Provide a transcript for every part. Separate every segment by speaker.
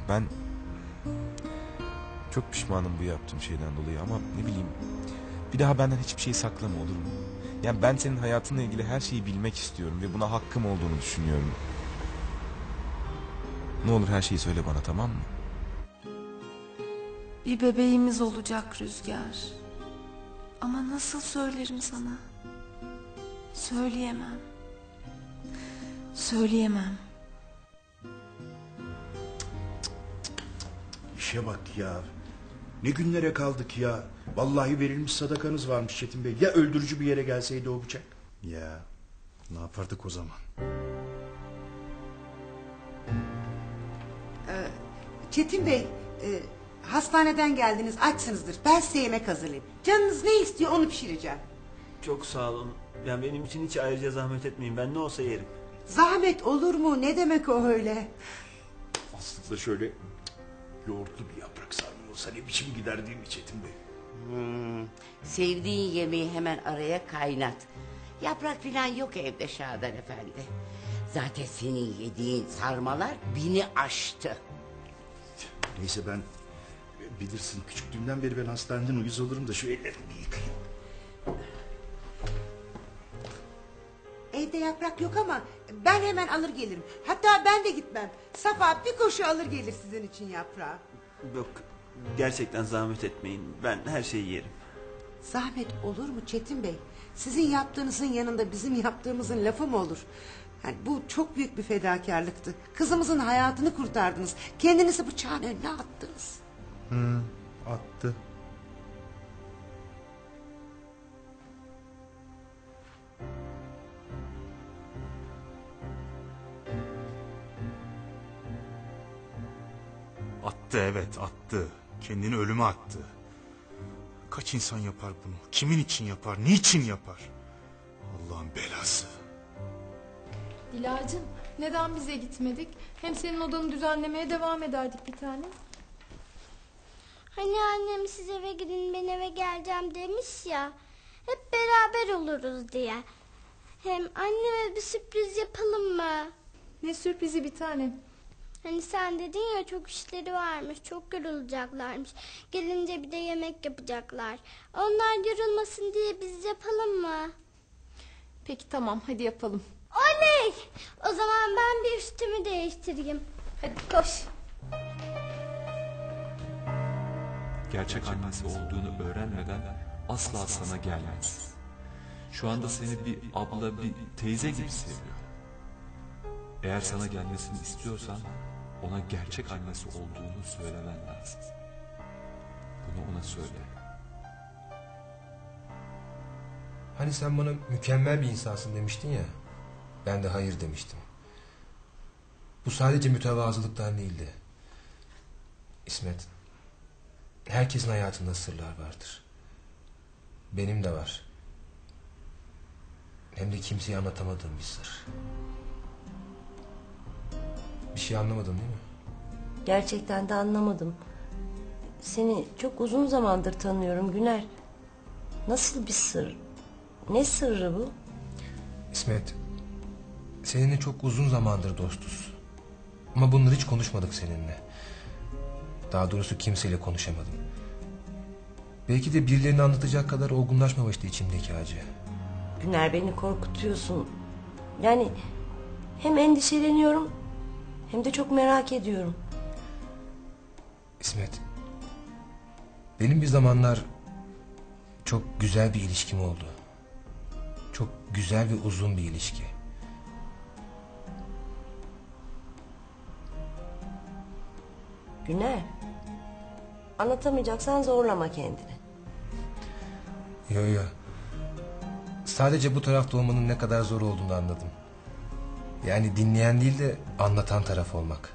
Speaker 1: Ben çok pişmanım bu yaptığım şeyden dolayı ama ne bileyim, bir daha benden hiçbir şey saklama, olur mu? Yani ben senin hayatınla ilgili her şeyi bilmek istiyorum ve buna hakkım olduğunu düşünüyorum. Ne olur her şeyi söyle bana, tamam mı?
Speaker 2: Bir bebeğimiz olacak Rüzgar. Ama nasıl söylerim sana? Söyleyemem. Söyleyemem.
Speaker 3: İşe bak ya. Ne günlere kaldık ya. Vallahi verilmiş sadakanız varmış Çetin Bey. Ya öldürücü bir yere gelseydi o bıçak?
Speaker 4: Ya ne yapardık o zaman?
Speaker 5: Çetin Bey, hastaneden geldiniz, açsınızdır. Ben size yemek hazırlayayım. Canınız ne istiyor onu pişireceğim.
Speaker 6: Çok sağ olun. Yani benim için hiç ayrıca zahmet etmeyin. Ben ne olsa yerim.
Speaker 5: Zahmet olur mu? Ne demek o öyle?
Speaker 3: Aslında şöyle yoğurtlu bir yaprak sarma olsa ne biçim gider değil mi Çetin Bey?
Speaker 7: Sevdiğin yemeği hemen araya kaynat. Yaprak falan yok evde Şadan Efendi. Zaten senin yediğin sarmalar 1000'i aştı.
Speaker 3: Neyse ben bilirsin küçüklüğümden beri ben hastaneden uyuz olurum da şu ellerimi bir yıkayayım.
Speaker 5: Evde yaprak yok ama ben hemen alır gelirim. Hatta ben de gitmem. Safa bir koşu alır gelir sizin için yaprağı.
Speaker 6: Yok, gerçekten zahmet etmeyin. Ben her şeyi yerim.
Speaker 5: Zahmet olur mu Çetin Bey? Sizin yaptığınızın yanında bizim yaptığımızın lafı mı olur? Yani bu çok büyük bir fedakarlıktı. Kızımızın hayatını kurtardınız. Kendinizi bıçağın önüne attınız.
Speaker 4: Attı. Attı, evet attı. Kendini ölüme attı. Kaç insan yapar bunu? Kimin için yapar? Niçin yapar? Allah'ın belası.
Speaker 8: Dilacığım, neden bize gitmedik? Hem senin odanı düzenlemeye devam ederdik bir tane.
Speaker 9: Hani annem siz eve gidin ben eve geleceğim demiş ya. Hep beraber oluruz diye. Hem anneme bir sürpriz yapalım mı?
Speaker 8: Ne sürprizi bir tane.
Speaker 9: Hani sen dedin ya çok işleri varmış, çok yorulacaklarmış. Gelince bir de yemek yapacaklar. Onlar yorulmasın diye biz yapalım mı?
Speaker 8: Peki tamam, hadi yapalım.
Speaker 9: Oley! O zaman ben bir üstümü değiştireyim.
Speaker 8: Hadi koş.
Speaker 10: Gerçek annesi olduğunu öğrenmeden asla sana gelmez. Şu anda seni bir abla, bir teyze gibi seviyor. Eğer sana gelmesini istiyorsan ona gerçek annesi olduğunu söylemen lazım. Bunu ona söyle.
Speaker 11: Hani sen bana mükemmel bir insansın demiştin ya. Ben de hayır demiştim. Bu sadece mütevazılıktan değildi. İsmet, herkesin hayatında sırlar vardır. Benim de var. Hem de kimseye anlatamadığım bir sır. Bir şey anlamadın değil mi?
Speaker 12: Gerçekten de anlamadım. Seni çok uzun zamandır tanıyorum Güner. Nasıl bir sır? Ne sırrı bu?
Speaker 11: İsmet, seninle çok uzun zamandır dostuz. Ama bunları hiç konuşmadık seninle. Daha doğrusu kimseyle konuşamadım. Belki de birilerine anlatacak kadar olgunlaşmamıştı içimdeki acı.
Speaker 12: Güner, beni korkutuyorsun. Yani hem endişeleniyorum hem de çok merak ediyorum.
Speaker 11: İsmet, benim bir zamanlar çok güzel bir ilişkim oldu. Çok güzel ve uzun bir ilişki.
Speaker 12: Güner, anlatamayacaksan zorlama kendini.
Speaker 11: Yo. Sadece bu tarafta olmanın ne kadar zor olduğunu anladım. Yani dinleyen değil de anlatan taraf olmak.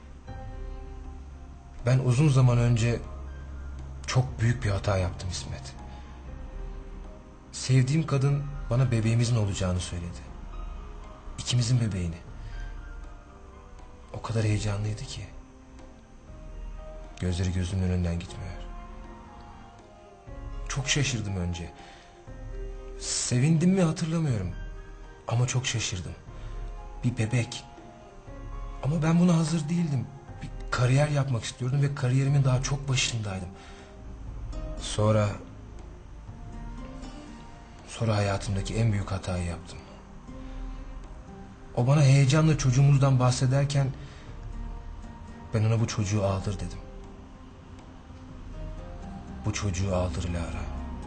Speaker 11: Ben uzun zaman önce çok büyük bir hata yaptım İsmet. Sevdiğim kadın bana bebeğimizin olacağını söyledi. İkimizin bebeğini. O kadar heyecanlıydı ki. Gözleri gözümün önünden gitmiyor. Çok şaşırdım önce. Sevindim mi hatırlamıyorum. Ama çok şaşırdım. Bir bebek. Ama ben buna hazır değildim. Bir kariyer yapmak istiyordum ve kariyerimin daha çok başındaydım. Sonra hayatımdaki en büyük hatayı yaptım. O bana heyecanla çocuğumuzdan bahsederken ben ona bu çocuğu aldır dedim. Bu çocuğu aldır Lara.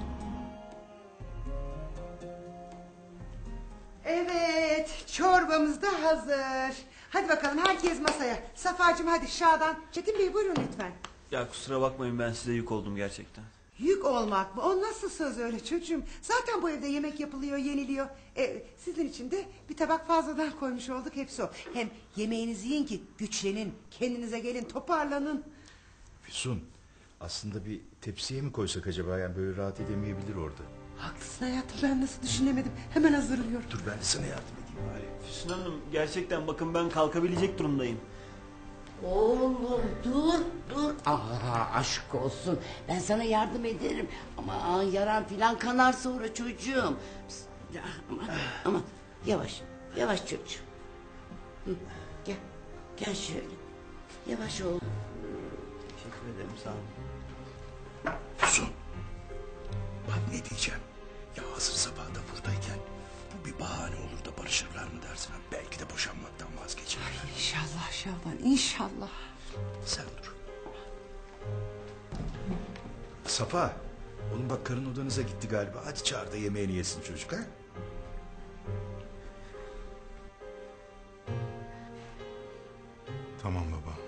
Speaker 5: Evet, çorbamız da hazır. Hadi bakalım herkes masaya. Safacığım hadi, Şadan. Çetin Bey buyurun lütfen.
Speaker 6: Ya kusura bakmayın, ben size yük oldum gerçekten.
Speaker 5: Yük olmak mı? O nasıl söz öyle çocuğum? Zaten bu evde yemek yapılıyor, yeniliyor. Sizin için de bir tabak fazladan koymuş olduk, hepsi o. Hem yemeğinizi yiyin ki güçlenin, kendinize gelin, toparlanın.
Speaker 3: Füsun, aslında bir tepsiye mi koysak acaba? Yani böyle rahat edemeyebilir orada.
Speaker 5: Haklısın hayatım, ben nasıl düşünemedim. Hemen hazırlıyorum.
Speaker 3: Dur ben de sana yardım edeyim bari.
Speaker 6: Füsun Hanım, gerçekten bakın ben kalkabilecek durumdayım.
Speaker 7: Oğlum dur. Aşk olsun. Ben sana yardım ederim. Ama yaran filan kanar sonra çocuğum. Ama yavaş çocuğum. Hı, gel şöyle. Yavaş ol.
Speaker 6: Teşekkür ederim, sağ olun.
Speaker 3: Füsun, bak ne diyeceğim. Ya hazır sabah da buradayken bu bir bahane olur da barışırlar mı dersin? Belki de boşanmaktan vazgeçer.
Speaker 5: İnşallah Şaban, inşallah.
Speaker 3: Sen dur. Safa, oğlum bak karın odanıza gitti galiba. Hadi çağır da yemeğini yesin çocuk ha.
Speaker 4: Tamam baba.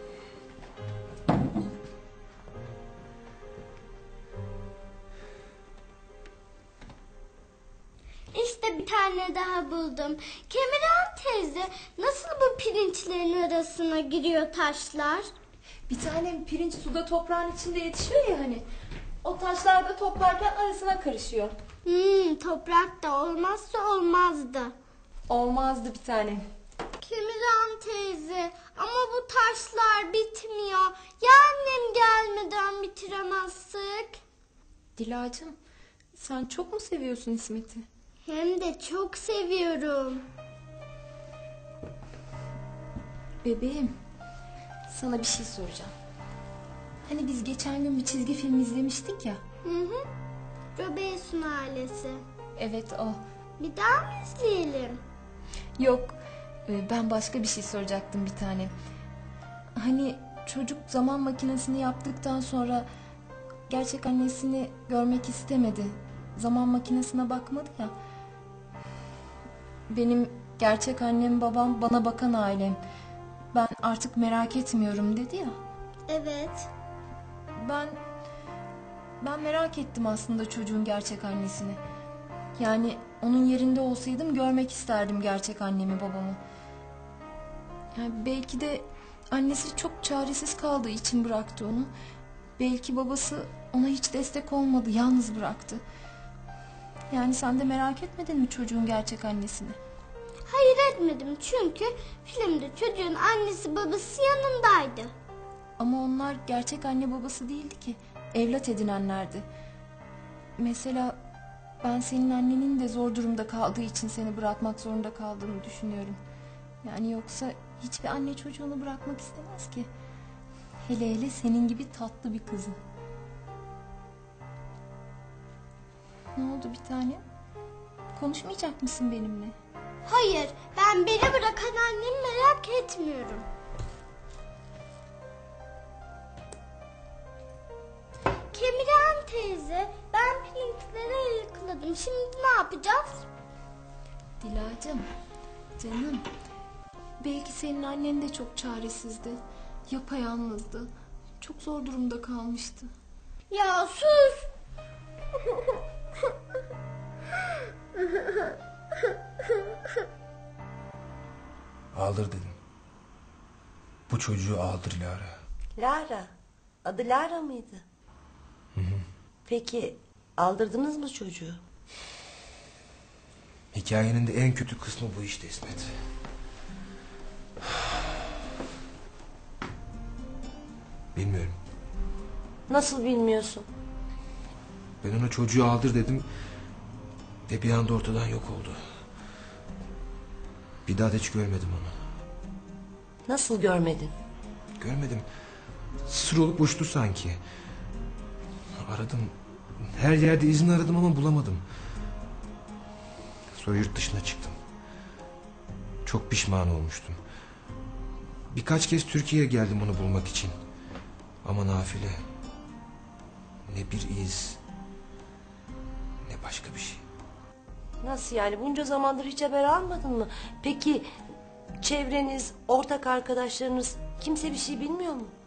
Speaker 9: İşte bir tane daha buldum. Kemirhan teyze, nasıl bu pirinçlerin arasına giriyor taşlar?
Speaker 8: Bir tane pirinç suda toprağın içinde yetişiyor ya hani. O taşlar da toplarken arasına karışıyor.
Speaker 9: Toprak da olmazsa olmazdı.
Speaker 8: Olmazdı bir tane.
Speaker 9: Kemirhan teyze, ama bu taşlar bitmiyor. Ya annem gelmeden bitiremezsek?
Speaker 8: Dilacığım, sen çok mu seviyorsun İsmet'i?
Speaker 9: Hem de çok seviyorum.
Speaker 8: Bebeğim, sana bir şey soracağım. Hani biz geçen gün bir çizgi film izlemiştik ya.
Speaker 9: Robinson ailesi.
Speaker 8: Evet, o.
Speaker 9: Bir daha mı izleyelim?
Speaker 8: Yok, ben başka bir şey soracaktım bir tane. Hani çocuk zaman makinesini yaptıktan sonra gerçek annesini görmek istemedi. Zaman makinesine bakmadı ya. Benim gerçek annem, babam, bana bakan ailem. Ben artık merak etmiyorum dedi ya.
Speaker 9: Evet.
Speaker 8: Ben merak ettim aslında çocuğun gerçek annesini. Yani onun yerinde olsaydım görmek isterdim gerçek annemi, babamı. Yani belki de annesi çok çaresiz kaldığı için bıraktı onu. Belki babası ona hiç destek olmadı, yalnız bıraktı. Yani sen de merak etmedin mi çocuğun gerçek annesini?
Speaker 9: Hayır, etmedim çünkü filmde çocuğun annesi babası yanındaydı.
Speaker 8: Ama onlar gerçek anne babası değildi ki. Evlat edinenlerdi. Mesela ben senin annenin de zor durumda kaldığı için seni bırakmak zorunda kaldığını düşünüyorum. Yani yoksa hiçbir anne çocuğunu bırakmak istemez ki. Hele hele senin gibi tatlı bir kızın. Ne oldu bir tane? Konuşmayacak mısın benimle?
Speaker 9: Hayır, ben beni bırakan annemi merak etmiyorum. Kemirhan teyze, ben pirinçleri ayıkladım. Şimdi ne yapacağız?
Speaker 8: Dilacığım, canım. Belki senin annen de çok çaresizdi. Yapayalnızdı. Çok zor durumda kalmıştı.
Speaker 9: Ya sus!
Speaker 11: Aldır dedim. Bu çocuğu aldır Lara.
Speaker 12: Lara. Adı Lara mıydı? Peki aldırdınız mı çocuğu?
Speaker 11: Hikayenin de en kötü kısmı bu işte İsmet. Bilmiyorum.
Speaker 12: Nasıl bilmiyorsun?
Speaker 11: Ben ona çocuğu aldır dedim ve bir anda ortadan yok oldu. Bir daha da hiç görmedim onu.
Speaker 12: Nasıl görmedin?
Speaker 11: Görmedim. Sır olup uçtu sanki. Aradım. Her yerde izin aradım ama bulamadım. Sonra yurt dışına çıktım. Çok pişman olmuştum. Birkaç kez Türkiye'ye geldim onu bulmak için. Ama nafile. Ne bir iz, ne başka bir şey.
Speaker 12: Nasıl yani? Bunca zamandır hiç haber almadın mı? Peki çevreniz, ortak arkadaşlarınız kimse bir şey bilmiyor mu?